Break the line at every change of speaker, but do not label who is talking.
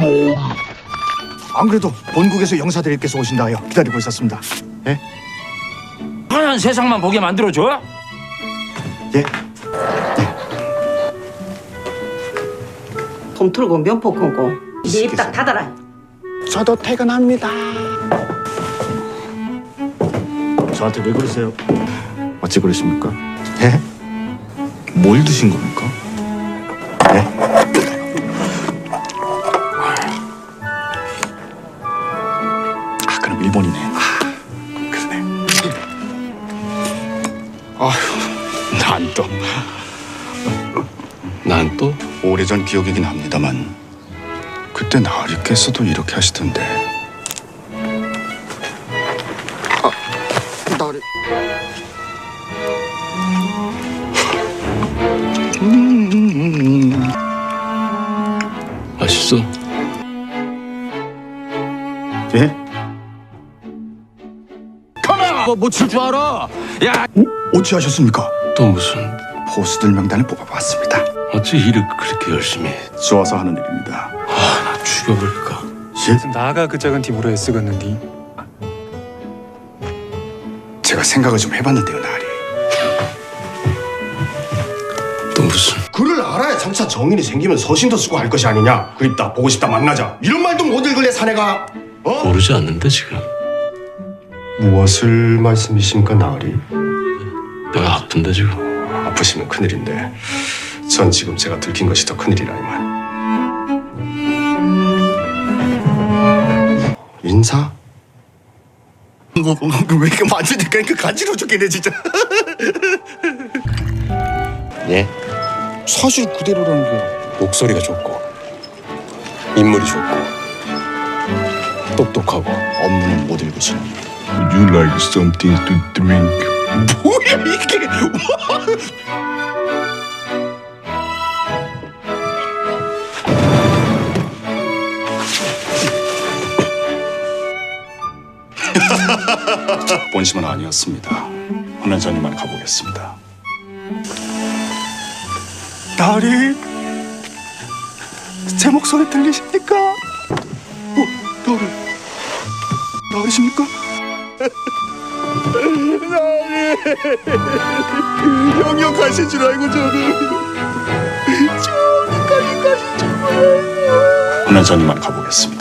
안 그래도 본국에서 영사들께서 오신다 하여 기다리고 있었습니다. 예?
편한 세상만 보게 만들어줘?
예?
돈 틀고 면포 끊고 네 입 딱 닫아라.
저도 퇴근합니다. 저한테 왜 그러세요? 어찌 그러십니까? 예? 뭘 드신 겁니까? 예? 아, 그럼 일본이네. 아, 그러네. 아휴, 난 또 오래전 기억이긴 합니다만 그때 나으리께서도 이렇게 하시던데. 나으리.
맛있어?
예?
뭐칠 줄 알아? 야,
어찌하셨습니까?
또 무슨
포수들 명단을 뽑아봤습니다.
어찌 일을 그렇게 열심히 해?
좋아서 하는 일입니다.
나 죽여버릴까?
예?
나가 그 작은 팀으로 애쓰겠는디.
제가 생각을 좀 해봤는데요, 나으리.
또 무슨
글을 알아야 장차 정인이 생기면 서신도 쓰고 할 것이 아니냐. 그립다, 보고 싶다, 만나자. 이런 말도 못 읽을래 사내가. 어?
모르지 않는데 지금
무엇을 말씀이십니까, 나으리?
내가 아픈데 지금
아프시면 큰일인데 전 지금 제가 들킨 것이 더 큰일이라 이만. 인사?
왜 이렇게 만지니까 그 간지러워 죽겠네 진짜.
예?
사실 그대로라는 게.
목소리가 좋고 인물이 좋고 똑똑하고
업무는 못 읽으시는.
Would you like something to drink?
뭐야 이게?
본심은 아니었습니다. 헌원전이만 가보겠습니다.
나으리, 제 목소리 들리십니까? 나으리, 나으리십니까? 나으리, 형이 가신 줄 알고 저는 저기까지 가신 줄 알고.
헌원전이만 가보겠습니다.